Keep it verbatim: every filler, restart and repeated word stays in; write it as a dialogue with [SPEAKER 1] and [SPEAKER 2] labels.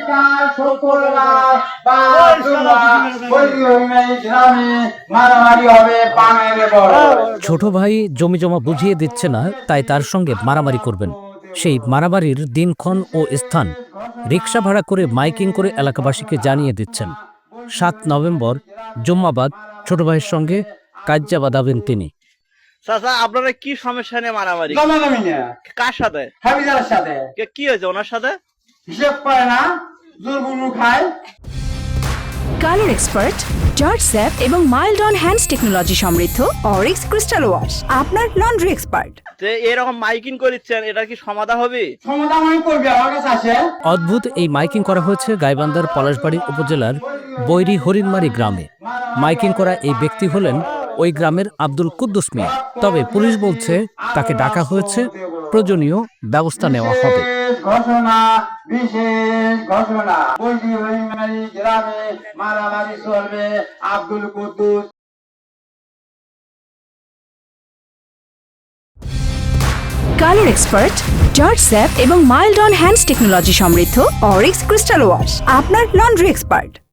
[SPEAKER 1] কাল শুক্রবার বা সোমবার বৈরি হইমেই গ্রামে মারামারি হবে পানের বড়।
[SPEAKER 2] ছোট ভাই জমি জমা বুঝিয়ে দিচ্ছে না, তাই তার সঙ্গে মারামারি করবেন। সেই মারামারির দিনক্ষণ ও স্থান রিক্সা ভাড়া করে মাইকিং করে এলাকাবাসীকে জানিয়ে দিচ্ছেন। সাত নভেম্বর জুম্মাবাদ ছোট ভাইয়ের সঙ্গে কাজ্জা বাঁধাবেন তিনি।
[SPEAKER 3] চাচা আপনারা কি সমস্যা নিয়ে মারামারি?
[SPEAKER 1] জমাজমি নিয়ে
[SPEAKER 3] কার সাথে?
[SPEAKER 1] হাবিজারের সাথে।
[SPEAKER 3] কে- কি হয়েছে ওনার সাথে?
[SPEAKER 1] হিসেব করে না, জোরগুলো খায়।
[SPEAKER 4] কালার এক্সপার্ট জর্জ স্যাপ এবং মাইল্ড অন হ্যান্ডস টেকনোলজি সমৃদ্ধ অরিক্স ক্রিস্টাল ওয়াশ আপনার লন্ড্রি এক্সপার্ট।
[SPEAKER 3] যে এরকম মাইকিং করিচ্ছেন, এটা কি সমাধা হবে?
[SPEAKER 1] সমাধান আমি করবি, আমার কাছে আসে।
[SPEAKER 2] অদ্ভুত এই মাইকিং করা হয়েছে গাইবান্ধার পলাশবাড়ি উপজেলার বৈরি হরিণমারি গ্রামে। মাইকিং করা এই ব্যক্তি হলেন ওই গ্রামের আব্দুল কুদ্দুস মিয়া। তবে পুলিশ বলছে তাকে ডাকা হয়েছে, প্রয়োজনীয় ব্যবস্থা নেওয়া হবে।
[SPEAKER 1] বিশেষ ঘোষণা, বিশেষ ঘোষণা, বৈরি হরিমারি গ্রামে মারামারি চলবে। আব্দুল কুদ্দুস
[SPEAKER 4] কালার এক্সপার্ট জর্জ স্যাপ এবং মাইল্ড অন হ্যান্ডস টেকনোলজি সমৃদ্ধ অরিক্স ক্রিস্টাল ওয়াশ আপনার লন্ড্রি এক্সপার্ট।